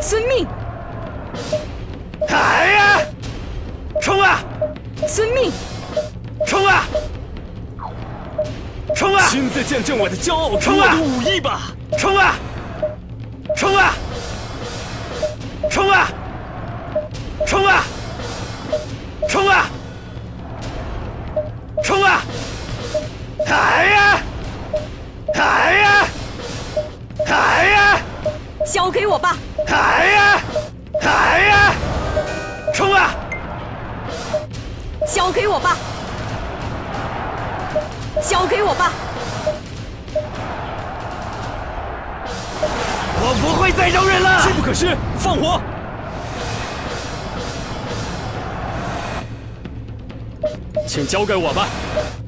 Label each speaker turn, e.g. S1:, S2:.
S1: 遵命。
S2: 来呀！冲啊！
S1: 遵命。
S2: 冲啊！冲啊！
S3: 亲自见证我的骄傲和
S2: 冲啊
S3: 我的武艺吧！
S2: 冲啊！冲啊！冲啊！冲啊！冲啊！冲啊！来呀！来呀！来呀！
S1: 交给我吧。
S2: 来呀！来呀！冲啊！
S1: 交给我吧。交给我吧。
S2: 我不会再容忍了！
S3: 机不可失，放火！请交给我吧。